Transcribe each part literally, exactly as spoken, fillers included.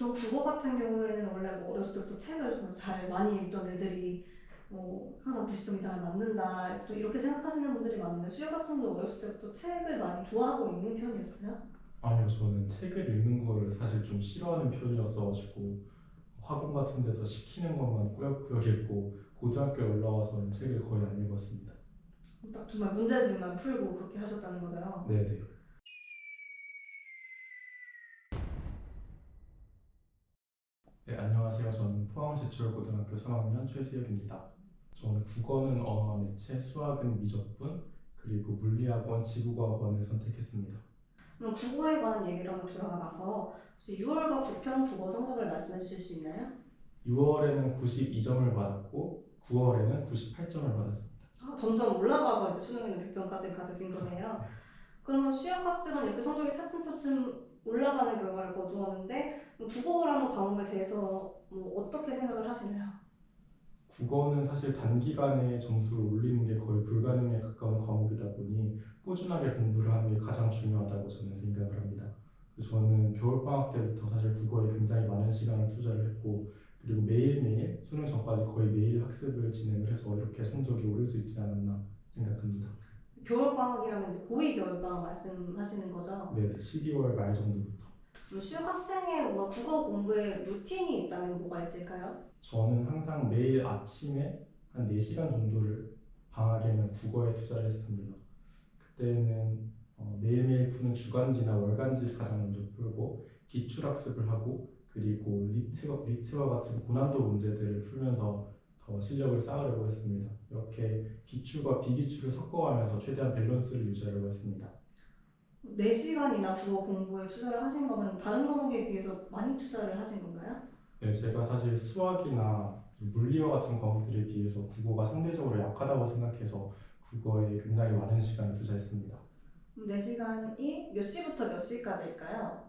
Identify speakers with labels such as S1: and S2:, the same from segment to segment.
S1: 보통 국어 같은 경우에는 원래 뭐 어렸을 때부터 책을 정말 잘 많이 읽던 애들이 뭐 항상 구십 점 이상을 맞는다 또 이렇게 생각하시는 분들이 많은데 수혁 학생도 어렸을 때부터 책을 많이 좋아하고 있는 편이었어요?
S2: 아니요, 저는 책을 읽는 거를 사실 좀 싫어하는 편이었어가지고 학원 같은 데서 시키는 것만 꾸역꾸역 읽고 고등학교에 올라와서는 책을 거의 안 읽었습니다.
S1: 딱 정말 문제집만 풀고 그렇게 하셨다는 거죠?
S2: 네네. 네, 안녕하세요. 저는 포항제철고등학교 삼 학년 최수혁입니다. 저는 국어는 언어와 매체, 수학은 미적분, 그리고 물리학원, 지구과학원을 선택했습니다.
S1: 그럼 국어에 관한 얘기를 한번 돌아가 봐서 혹시 유월과 구편 국어 성적을 말씀해 주실 수 있나요?
S2: 유월에는 구십이 점을 받았고 구월에는 구십팔 점을 받았습니다.
S1: 아, 점점 올라가서 이제 수능에는 백 점까지 받으신 거네요. 그러면 수혁 학생은 이렇게 성적이 차츰차츰 올라가는 결과를 거두었는데 국어라는 과목에 대해서 뭐 어떻게 생각을 하시나요?
S2: 국어는 사실 단기간에 점수를 올리는 게 거의 불가능에 가까운 과목이다 보니 꾸준하게 공부를 하는 게 가장 중요하다고 저는 생각을 합니다. 그래서 저는 겨울방학 때부터 사실 국어에 굉장히 많은 시간을 투자를 했고 그리고 매일매일 수능 전까지 거의 매일 학습을 진행을 해서 이렇게 성적이 오를 수 있지 않았나 생각합니다.
S1: 겨울방학이라면 이제 고이 겨울방학 말씀하시는 거죠?
S2: 네, 십이월 말 정도부터.
S1: 그럼 수혁 학생의 뭔가 국어 공부에 루틴이 있다면 뭐가 있을까요?
S2: 저는 항상 매일 아침에 한 네 시간 정도를 방학에는 국어에 투자를 했습니다. 그때는 어, 매일매일 푸는 주간지나 월간지를 가장 먼저 풀고 기출학습을 하고 그리고 리트, 리트와 같은 고난도 문제들을 풀면서 더 실력을 쌓으려고 했습니다. 이렇게 기출과 비기출을 섞어가면서 최대한 밸런스를 유지하려고 했습니다.
S1: 네 시간이나 국어 공부에 투자를 하신 거면 다른 과목에 비해서 많이 투자를 하신 건가요?
S2: 네, 제가 사실 수학이나 물리와 같은 과목들에 비해서 국어가 상대적으로 약하다고 생각해서 국어에 굉장히 많은 시간을 투자했습니다.
S1: 네 시간이 몇 시부터 몇 시까지일까요?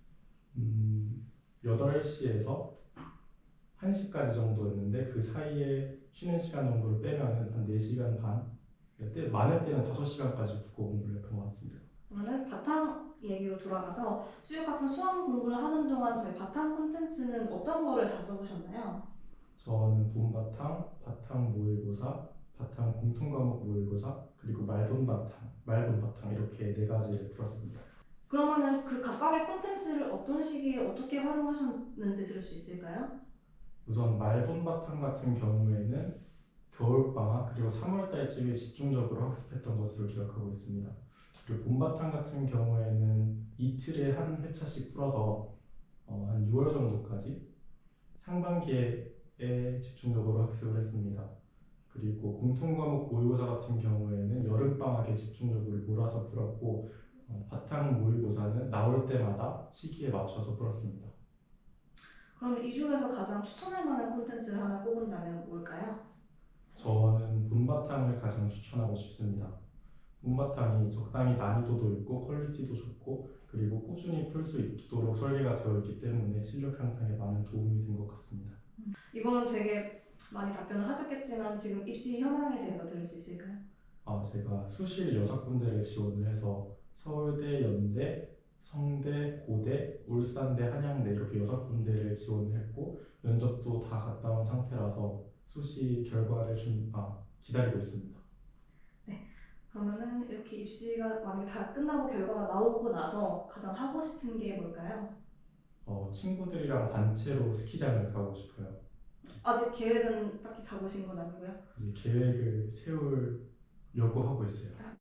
S2: 음, 여덟 시에서 한 시까지 정도였는데 그 사이에 쉬는 시간 정도를 빼면은 한 네 시간 반, 때, 많을 때는 다섯 시간까지 국어 공부를 했던 것 같습니다.
S1: 그러면 바탕 얘기로 돌아가서 수혁학생 수험 공부를 하는 동안 저희 바탕 콘텐츠는 어떤 거를 다 써보셨나요?
S2: 저는 본바탕, 바탕 모의고사, 바탕 공통과목 모의고사, 그리고 말본바탕, 말본바탕 이렇게 네 가지를 풀었습니다.
S1: 그러면은 그 각각의 콘텐츠를 어떤 시기에 어떻게 활용하셨는지 들을 수 있을까요?
S2: 우선 말본바탕 같은 경우에는 겨울방학 그리고 삼월 달쯤에 집중적으로 학습했던 것으로 기억하고 있습니다. 그리고 봄바탕 같은 경우에는 이틀에 한 회차씩 풀어서 어, 한 유월 정도까지 상반기에 집중적으로 학습을 했습니다. 그리고 공통과목 모의고사 같은 경우에는 여름방학에 집중적으로 몰아서 풀었고 어, 바탕 모의고사는 나올 때마다 시기에 맞춰서 풀었습니다.
S1: 그럼 이 중에서 가장 추천할 만한 콘텐츠를 하나 꼽은다면 뭘까요?
S2: 저는 본바탕을 가장 추천하고 싶습니다. 본바탕이 적당히 난이도도 있고 퀄리티도 좋고 그리고 꾸준히 풀 수 있도록 설계가 되어 있기 때문에 실력 향상에 많은 도움이 된 것 같습니다.
S1: 이거는 되게 많이 답변을 하셨겠지만 지금 입시 현황에 대해서 들을 수 있을까요?
S2: 아, 제가 수시 여섯 군데를 지원을 해서 서울대, 연대, 성대, 고대, 울산대, 한양대 이렇게 여섯 군데를 지원을 했고 면접도 다 갔다 온 상태라서 수시 결과를 준, 아, 기다리고 있습니다.
S1: 그러면은 이렇게 입시가 만약에 다 끝나고 결과가 나오고 나서 가장 하고 싶은 게 뭘까요?
S2: 어, 친구들이랑 단체로 스키장을 가고 싶어요.
S1: 아직 계획은 딱히 잡으신 건 아니고요.
S2: 이제 계획을 세우려고 하고 있어요.